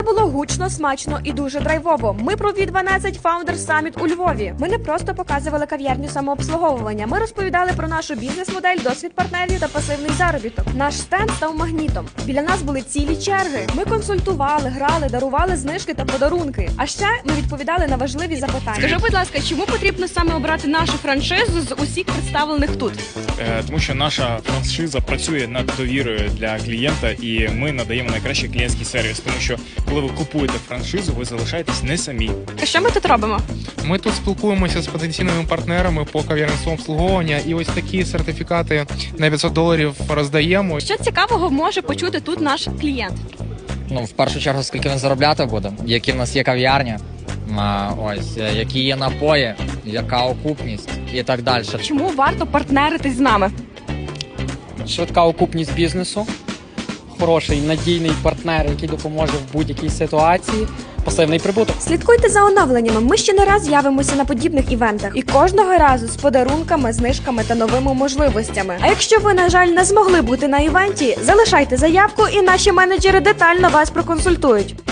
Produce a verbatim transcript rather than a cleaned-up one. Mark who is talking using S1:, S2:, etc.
S1: Було гучно, смачно і дуже драйвово. Ми про ві дванадцять Founder Summit у Львові. Ми не просто показували кав'ярню самообслуговування. Ми розповідали про нашу бізнес-модель, досвід партнерів та пасивний заробіток. Наш стенд став магнітом. Біля нас були цілі черги. Ми консультували, грали, дарували знижки та подарунки. А ще ми відповідали на важливі запитання.
S2: Скажи, будь ласка, чому потрібно саме обрати нашу франшизу з усіх представлених тут?
S3: Е, Тому що наша франшиза працює над довірою для клієнта, і ми надаємо найкращий клієнтський сервіс. Тому що коли ви купуєте франшизу, ви залишаєтесь не самі.
S2: А що ми тут робимо?
S4: Ми тут спілкуємося з потенційними партнерами по кав'ярництву обслуговування, і ось такі сертифікати на п'ятсот доларів роздаємо.
S2: Що цікавого може почути тут наш клієнт?
S5: Ну, в першу чергу, скільки він заробляти буде, які в нас є кав'ярня, а, ось, е, які є напої, яка окупність і так далі.
S2: Чому варто партнеритись з нами?
S6: Швидка окупність бізнесу, хороший надійний партнер, який допоможе в будь-якій ситуації, пасивний прибуток.
S1: Слідкуйте за оновленнями. Ми ще не раз з'явимося на подібних івентах. І кожного разу з подарунками, знижками та новими можливостями. А якщо ви, на жаль, не змогли бути на івенті, залишайте заявку і наші менеджери детально вас проконсультують.